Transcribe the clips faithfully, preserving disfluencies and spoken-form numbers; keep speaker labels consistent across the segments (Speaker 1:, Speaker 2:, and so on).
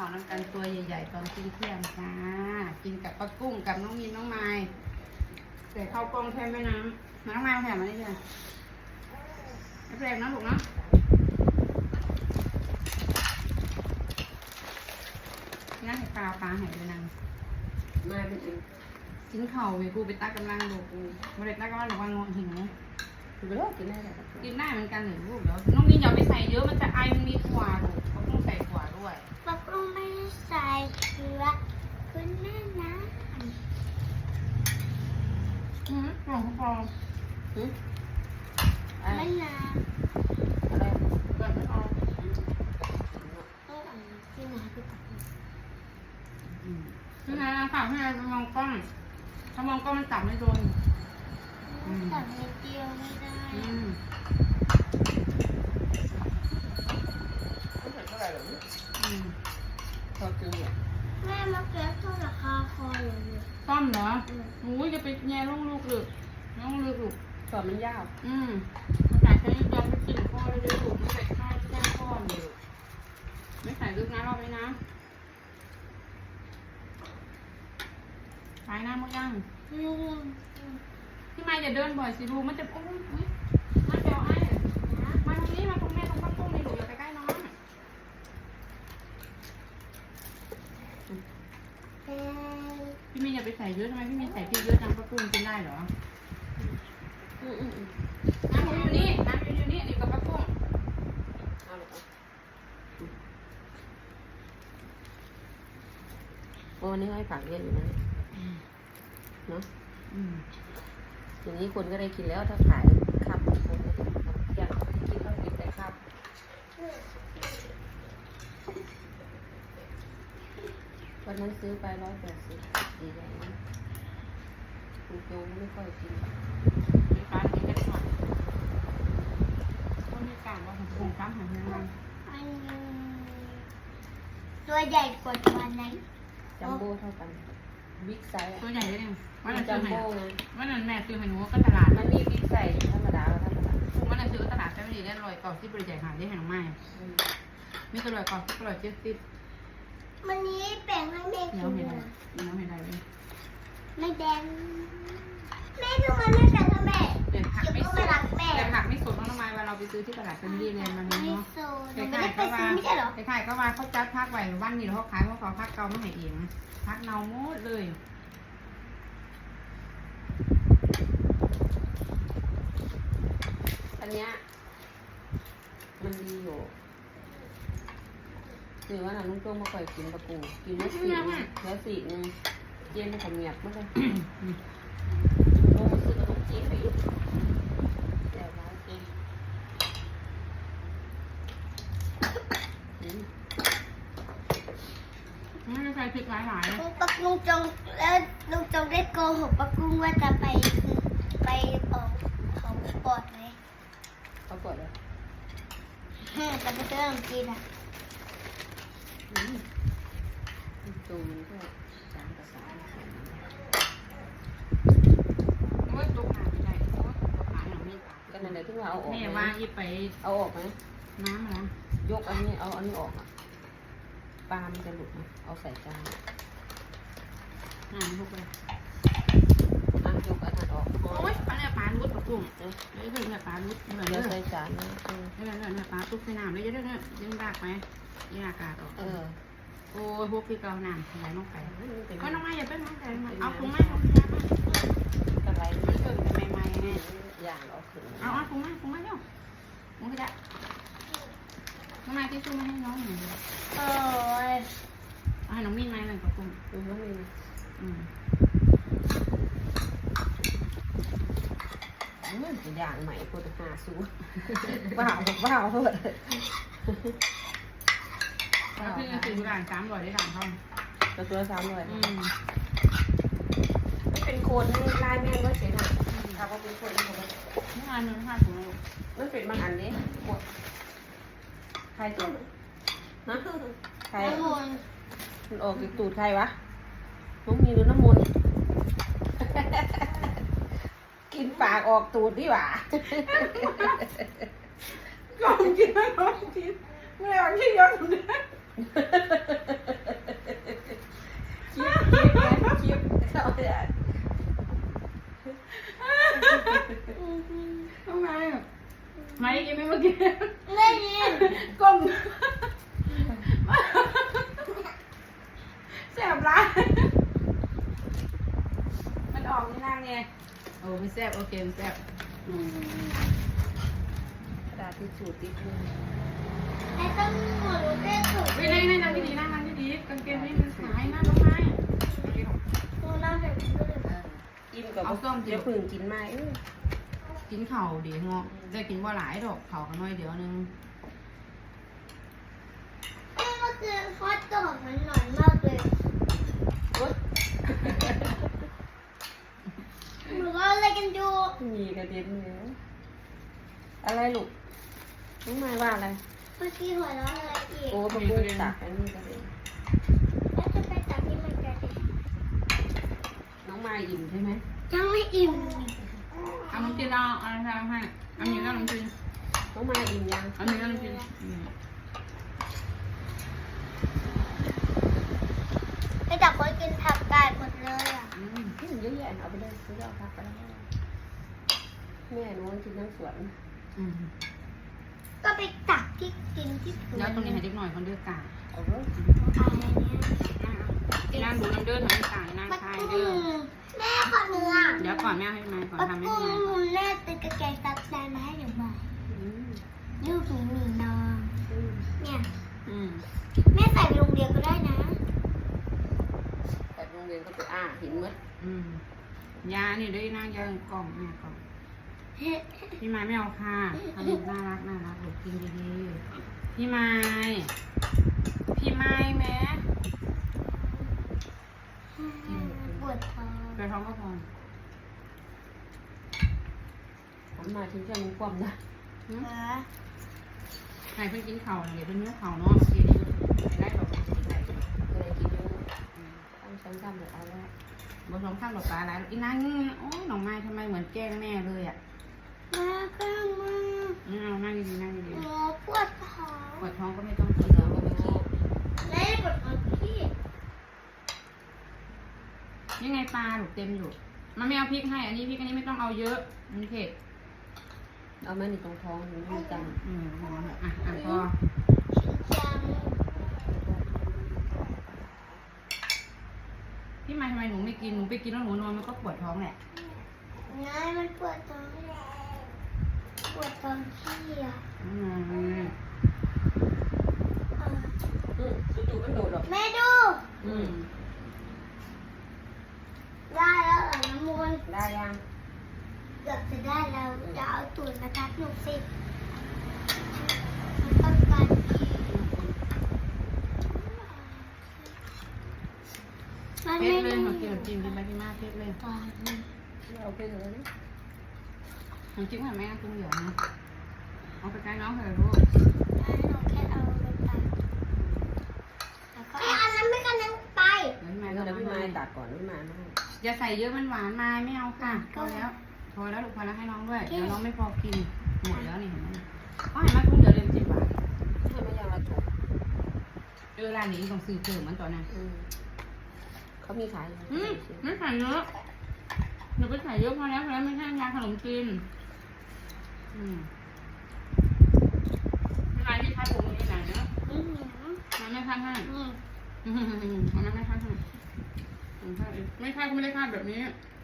Speaker 1: าวน้ำกันตัวใหญ่ๆตอนกินเที่ยงจ้ากินกับปลากุ้งกับน้องมินน้องไม้แต่ข้าวกล้องแทนแม่น้ำน้องไม้แถมมาได้เลยไม่แปลกนะลูกนะนั่งให้ปลาปลาหายไปนางมาเป็นเองกินเข่าเว้ยกูไปตักกำลังลูกกูไม่ได้ตักกำลังหรอกว่างงหิวกินไปแล้วกินได้แต่กินได้เหมือนกันหรือลูกเดี๋ยวน้องมินอย่าไปใส่เยอะมันจะไอมันมีถั่วลูกเขาต้องใส่ถั่วด้วย
Speaker 2: ปลากุ้งไม่ใส่เกลือคุณแม่นะ
Speaker 1: อืมหอมพออืม
Speaker 2: ไม่นะ
Speaker 1: อะไรเกิดไม่ออก
Speaker 2: ต้องอ่านที่ไหนพี่ตัก
Speaker 1: นี่ไงฝากให้เรามองกล้องถ้ามองกล้องมันจับไม่โดน
Speaker 2: ตักนิดเดียวไม่ได้
Speaker 1: อืม
Speaker 3: ไม่เห็นเท่าไหร่หรอก
Speaker 1: อืม
Speaker 3: พอกินเนี่ย
Speaker 2: แม่มาเก็บเท่าราคาคออยู่เนี่ย
Speaker 1: ต้มเหรอโอ้ยจะไปแย่ลูกลูกหรือน้องลูกลูก
Speaker 3: ตอนมันยาว
Speaker 1: อืมภาษาใช้ยอมไปกินพ่อเลยด้วยลูกไม่ใส่ข้าวแค่พ่อเลยไม่ใส่ลึกนะรอบนี้นะใช้น้ำมั้งยังพี่ไม่จะเดินบ่อยสิลูกมันจะโอ้ยมาเดี๋ยวไอ้มาตรงนี้มาตรงแม่ตรงป้าปุ้งนี่ลูกอย่าไปใกล้น้องพี่เมย์อย่าไปใส่เยอะทำไมพี่เมย์ใส่พริกเยอะจังป้าปุ้งกินได้เหรออืมอืมน้ำอยู่นี่น้ำอยู่นี่นี่กับป้าปุ้ง
Speaker 3: เอาหรอวันนี้ให้ผักเยอะอยู่นะเนาะอย่างนี้คนก็ได้กินแล้วถ้าขายข้าวคนก็ได้อยากกินต้องกินแต่ข้าววันนั้นซื้อไปร้อยแปดสิบดีใจนะคุณโจไม่ค่อยกิน
Speaker 1: มีการกินได้ก่อนต้องมีการว่าผมซ้ำหันยังไง
Speaker 2: ตัวใหญ่กว่าตัวไหน
Speaker 3: จัมโบ้เท่ากันบิ๊กไซส์
Speaker 1: ตัวใหญ่ได้ยัง
Speaker 3: วันนั้นจัมโบ้ไง
Speaker 1: วันนั้นแม่ซื้อให้หนูก็ตลาด
Speaker 3: มันมีบิ๊กไซส์ธรรมดาธรรมดา
Speaker 1: วันนั้นซื้อตลาดใช่ไหมดีได้ลอยก่อนที่บริจาคหาได้แห่งไม้มีตลอดก่อนที่ตลอดเจ็ดสิบ
Speaker 2: วันนี้แบ่งให้แม่กิน
Speaker 1: เนาะเห็นอะไรเนาะเห็นอะไร
Speaker 2: ไม่แบ่งแม่ทุกคนไม่แบ่งให้แม่
Speaker 1: เดี๋ยวผักไม่สดเดี๋ยวผักไม่สดน้องไม้วันเราไปซื้อที่ตลาดเป็นดีเลยมันเนาะ
Speaker 2: เด็กๆก็ว่าไม่ใช่หรอ
Speaker 1: เด็กๆก็ว่าเขาจัดพักไว้วันนี้เขาขายเพราะเขาพักเก่าไม่ให้เองพักเนาหมดเลย
Speaker 3: อันเนี้ยมันดีอยู่หรือว่าน้ำลุงโจ้มาก่อยกินปลาปูกินแล้วสีแล้วสีนึงเย็นขมียบมากเลยโอ้ซื้อกระดูกจีนไปอีกแต่ร้านจีน
Speaker 1: ไม่ได้ใส่พริกหลายหลาย
Speaker 2: ปักลุงจงแล้วลุงจงได้โกหกปักกุ้งว่าจะไปไปออกเขาปอดไหม
Speaker 3: เขาปอดเลย
Speaker 2: เฮ้แต่ไปเจอกินอ่ะ
Speaker 3: ตูมันก็สามกับสาม
Speaker 1: ว่าตุกหาไม่ได้เพราะว่าตุกหาหนังไม่ตาย
Speaker 3: ก็นั่นแหละที่ว่าเอาออก
Speaker 1: แม่ว่าอีไป
Speaker 3: เอาออกไหม
Speaker 1: น้ำนะ
Speaker 3: ยกอันนี้เอาอันนี้ออกอ่ะปลามันจะหลุดนะเอาใส่จาน
Speaker 1: น้ำทุกเลย
Speaker 3: อ่ะยกอันนั้นออก
Speaker 1: โอ้ยปลาเนี่ยปลาลุดปลากุ้งเอ้ยเฮ้ยเนี่ยปลาลุดเหมือนเดิม
Speaker 3: ใส่จานนะ
Speaker 1: เออเนี่ยเนี่ยปลาตุ๊กใส่น้ำเลยเยอะๆเนี่ยยังรากไหมยังอากาศออก
Speaker 3: เออ
Speaker 1: โอ้ยพวกพี่เกาหนามไหลลงไปก็น้องไม้อย่าเป็นน้องไก่เอาถุงไม้ถุงยาไป
Speaker 3: กระไร
Speaker 1: มันเกิดเป็นใหม่ๆไง
Speaker 3: อย่างเอาขึ้น
Speaker 1: เอาเอาถุงไม้ถุงไม้เร็วมึงก็จะน้องไม้ที่สู้ไม่ให้น้องหน่อย
Speaker 2: โอ้ย
Speaker 1: เอาให้น้องมีนไม้หนึ่งกับกุ้ง
Speaker 3: อืมน้องมีน
Speaker 1: อืม
Speaker 3: อย่างใหม่โคตรหาสู้ว้าวว้าวเพื่อน
Speaker 1: แล้วพี่จะซื้อร้านสามร้อยได้ร้านเขา
Speaker 3: ตัวตัวสามร้อย
Speaker 1: อืม
Speaker 3: ไม่เป็นโคนลายแม่ก็เสียหน่อยถ้าว่าเป็นโคนมัน
Speaker 1: ไม่งานนึงห้าถุงเลย
Speaker 3: มันเป็นบางอันนี้หมดใครตัวนะใครมันออกจากตูดใครวะน้องมีหรือน้ำมนต์กินปากออกตูดดีกว่า
Speaker 1: ก่อนกินไม่ก่อนกินไม่ได้วันที่ย้อนเลยทำไมไม่กินไม่เมื่อกี้
Speaker 2: ไม่ยิน
Speaker 1: ก้มแสบร้ายมันออกนี่นั่งไงโอ้ไม่แสบโอเคไม่แสบ
Speaker 3: กระดาษทิชชู่ติดมือ
Speaker 2: ไอ้ต้องหมุนเรื่องถูก
Speaker 1: ไม่ได้นั่งดีๆนั่งนั่งดีๆกางเกงไม่มันสายนั่งลงไม้
Speaker 2: หนูนั่งแบบนี้เลย
Speaker 3: อิ่มกับเดี๋ยวพึ่งกินไหม
Speaker 1: กินเข่าดีงอได้กินว่าหลายดอกเข่ากันน้อยเดียวนึง
Speaker 2: แม่เมื่อคืนฮอตดอกมันหน่อยมากเลยหนูว่าอะไรกันอยู่
Speaker 3: มีกระเด็นเนื้ออะไรลูกน้องไม้ว่าอะไร
Speaker 2: เมื่อกี้หัวเราะอะไรอีก
Speaker 3: โอ้ประกูตักอันนี้กระเด็น
Speaker 2: แล้วจะไปตัดที่มันกระเด็น
Speaker 3: น้องไม้อิ่มใช่ไหม
Speaker 2: ยังไม่อิ่ม
Speaker 1: เอาน้ำจิ้มเอาอะไรทำให้เอาหมี่แล้วน้ำจิ้ม
Speaker 3: น้องไม้อิ่มยัง
Speaker 1: เอาหมี่แล้วน้ำจิ้ม
Speaker 2: ไปจับคนกินผักกาดหมดเลยอ่ะ
Speaker 1: อืม
Speaker 3: กินเยอะแยะเอาไปเลยซื้อเอาพักไปแล้วแม่หนูกินทั้งสวน
Speaker 1: อืม
Speaker 2: ก็ไปตักที่กินที่สวน
Speaker 1: แล้วตรงนี้ให้เด็กหน่อยคนเดือกกา
Speaker 3: เอาเถอะ
Speaker 2: อะไรเนี่ย
Speaker 1: นั่งดูน้ำเดือดทำให้กานั่ง
Speaker 2: ปัก
Speaker 1: ทาย
Speaker 2: กุ้
Speaker 1: เดือด
Speaker 2: งแม่ขอเนื้อ
Speaker 1: เดี๋ยวก่อนแม่ให้มาก่อน
Speaker 2: ปัก
Speaker 1: ทำให้
Speaker 2: กุ้ง
Speaker 1: แม่
Speaker 2: แม่ตึกกระแกงตัดแซนมาให้หนูบ่อย
Speaker 3: อืม
Speaker 2: ลูกหมีหมีนอน
Speaker 3: อืม
Speaker 2: เนี่ย
Speaker 1: อืม
Speaker 2: แม่ใส่ไปโรงเรียนก็ได้นะ
Speaker 3: แต่โรงเรียนก็ไปอ่าเห็นมั้ย
Speaker 1: อืมยานี่ด้วยนั่งยากล่องแม่กล่องพี่ไม้ไม่เอาค่ะทำน่ารักน่ารักหนูกินดีๆพี่ไม้พี่ไม้แม่
Speaker 2: ปวดท้อง
Speaker 1: กระท้องก็พอ
Speaker 3: ผมมาทิ้งช่วงความนะ
Speaker 1: อืม
Speaker 2: เหรอ
Speaker 1: ใครเพิ่งกินเข่าเดี๋ยวเป็นเนื้อเข่าเนาะทีนี้ได้ดอกกินได้
Speaker 3: เลยกินเยอะต้องช้อนซ้ำเลยเอาแล้ว
Speaker 1: บนสองข้างดอกปลาอะไรอีนั่งโอ้ยน้องไม้ทำไมเหมือนแกล้งแม่เลยอ่ะ
Speaker 2: มาข้างมา
Speaker 1: อืมนั่งดีๆนั่งดี
Speaker 2: หนูปวดท้อง
Speaker 1: ๆปวดท้องก็ไม่ต้องกินแล้วก็ไม่กิน
Speaker 2: แม่ปวดท้องพี่
Speaker 1: ยังไงปลาถูกเต็มอยู่ มันไม่เอาพริกให้ อันนี้พริกอันนี้ไม่ต้องเอาเยอะมันเผ็ด
Speaker 3: เอามาในตรงท้องหนูมีกัน
Speaker 1: อืมพอเถอะอ่ะอ่ะพอ
Speaker 2: จัง
Speaker 1: พี่ไม้ทำไมหนูไม่กิน หนูไปกินแล้วหนูนอนมันก็ปวดท้องแหละ
Speaker 2: นายมันปวดท้องปวดท้องพี่อ่ะ
Speaker 1: อืม
Speaker 2: เออ
Speaker 3: อืมจู่ๆก็โดดหรอก
Speaker 2: แม่ดู
Speaker 1: อืม
Speaker 2: ได้แล้วเหรอน้ำมูล
Speaker 3: ได้ยัง
Speaker 2: เกือบจะได้แล้วจะเอาตูดมาทับหนูสิมันต้องการมัน
Speaker 1: เผ็
Speaker 2: ไม่
Speaker 1: ดเลย
Speaker 2: มี
Speaker 1: ขอกินขนมจีนกินไปกินมาเผ็ดเลย
Speaker 2: ตอนนี้
Speaker 3: เอาไปเลยนะ
Speaker 1: ขนมจีนให้แม่กินเหลือนะเอาไปใกล้น้องเถอะลูก
Speaker 2: หนูแค่เอาไปตัดแล้วก็อันนั้นไม่กันนั้นไป
Speaker 1: เดี๋ยวพี่ไม้
Speaker 3: แล้
Speaker 1: ก็
Speaker 3: วพี่
Speaker 1: มา
Speaker 3: ไม้
Speaker 1: ให้
Speaker 3: ตัดก่อนพี่ไม้มาให้
Speaker 1: อย่าใส่เยอะมันหวานไม้ไม่เอาค่ะพอแล้ว พอแล้วลูกพอแล้วให้น้องด้วย เดี๋ยวน้องไม่พอกิน หมดแล้วนี่เห็นไหมก็ให้มาคุ้มเดี๋ยวเรียนสิบบาท
Speaker 3: ให้ไม่ยังละถูก
Speaker 1: เออร้านนี้ต้องซื้อเพิ่มมันตอนนั้น
Speaker 3: อืมเขามีขาย
Speaker 1: อืมไม่ใส่เยอะหนูไปใส่เยอะพอแล้วพอแล้วไม่ใช่ยาขนมจีนอืมร้านที่คัดผมที่ไหนเนาะ
Speaker 2: อืม
Speaker 1: มันไม่คัดให้
Speaker 2: อืม
Speaker 1: อืมมันไม่คัดให้ไม่คัดเองไม่คัดก็ไม่ได้คัดแบบนี้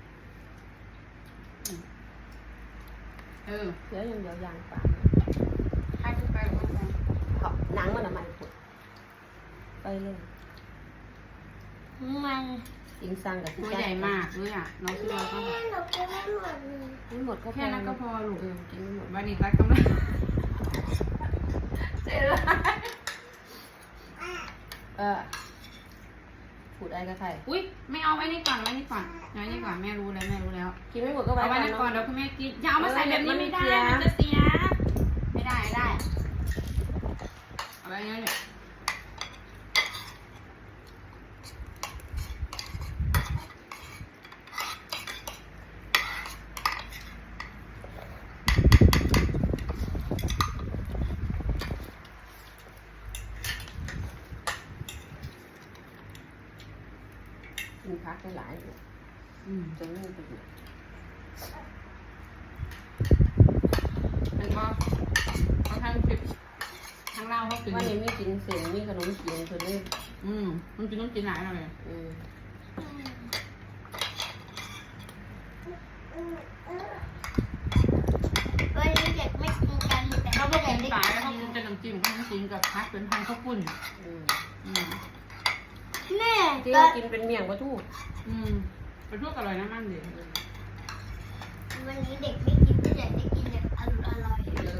Speaker 1: อืมเออ
Speaker 3: เดี๋ยวยังเดี๋ยวยางปาก
Speaker 1: คัดขึ้นไปหรือว่าไง
Speaker 3: เขาหนังมันอะมันผุดไปเลย
Speaker 2: มัน
Speaker 3: อิงซังกับ
Speaker 1: ตัวใหญ่มากเลยอ่ะน้องซื้อมาก็
Speaker 2: แม่หนูกินไม่หมดเลย
Speaker 3: ไม่หมดก็
Speaker 1: แค่นั้นก็พอลูก
Speaker 3: เออกินไม่หมด
Speaker 1: วันนี้รักกำลังเจ๋งเลย
Speaker 3: เออผูดได้ก็ใคร
Speaker 1: อุ้ยไม่เอาไว้นี่ก่อนไว้นี่ก่อนไว้นี่ก่อนแม่รู้แล้วแม่รู้แล้ว
Speaker 3: กินไม่หมดก็ไว้
Speaker 1: เอาไว้
Speaker 3: ก่อน
Speaker 1: นี่ก่อน
Speaker 3: เนาะ
Speaker 1: เดี๋ยวคุณแม่กินอย่าเอามาใส่แบบนี้ไม่ได้
Speaker 3: เออ
Speaker 1: มันจะเสียไม่ได้ไม่ได้เอาไว้งั้นเลย
Speaker 3: กินพักได้หลายอยู่
Speaker 1: อืม
Speaker 3: จนไม่เป็น
Speaker 1: าวเขากิน
Speaker 3: วันนี้มีกินเส้นมีขนมจีนเพิ่นเลย
Speaker 1: อืมมันกินต้องกินหลายหน่อย
Speaker 3: อืม
Speaker 2: วันนี้เด็กไม่กินกันแต่
Speaker 1: เขา
Speaker 2: เขา
Speaker 1: บอ
Speaker 2: ไม่
Speaker 1: ก
Speaker 2: ได้
Speaker 1: กิน
Speaker 2: ได้
Speaker 1: สาย
Speaker 2: กิ
Speaker 1: เขา
Speaker 2: น
Speaker 1: กินแต่น้ำจิ้มเขาน้ำจิ้มกับพักเป็นพันข้าวปุ้น
Speaker 3: อืม
Speaker 1: อืม
Speaker 2: แม่
Speaker 3: ที่
Speaker 2: ก็
Speaker 3: กินเป็นเมี่ยงปลาทู
Speaker 1: อืมไปทั่วอร่อยนะมั่นเด็ด
Speaker 2: วันนี้เด็กไม่กินก็อยากได้กินแบบอร่อยอร่อย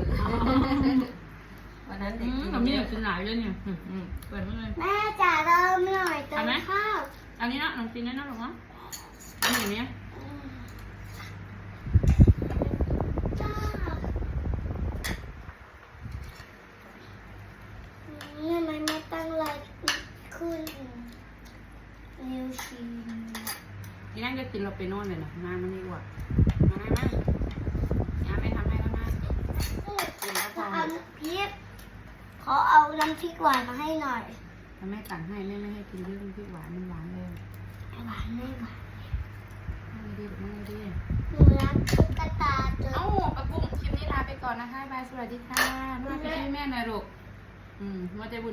Speaker 3: วันนั้นเด็
Speaker 1: อื
Speaker 3: ก
Speaker 1: ม
Speaker 3: กิน
Speaker 1: กับนี่
Speaker 3: เยอะ
Speaker 1: กินหลายเลยเนี่ยอืมอืมเปิดมาเลย
Speaker 2: แม่จ๋าเริ่มหน่อยเติมข้าว
Speaker 1: อันนี้นะน้องกินได้นะหรอวะอันนี้เนี่ย
Speaker 2: จ้าทำไมไม่ตั้งไลน์ขึ้นนิวชีน
Speaker 1: ที่นั่นก็กินเราไปโน่นเลยนะมามันดีกว่ามาไหมมาอย่าไปทำให้แล้วมากินแล้วพอ
Speaker 2: เอาพริกขอเอาน้ำพริกหวานมาให้หน่อย
Speaker 1: ถ้าแม่สั่งให้แม่ไม่ให้กินเยอะมันพริกหวานมันหวานเลย
Speaker 2: หวานไม่หวาน
Speaker 1: ไม่ดีไม่ดี
Speaker 2: หนูรักตุ๊กตาตัว
Speaker 1: เอ้าปะกุ้งคลิปนี้ลาไปก่อนนะคะบายสวัสดีค่ะมาไปช่วยแม่หน่อยลูกอืมมาใจบุญ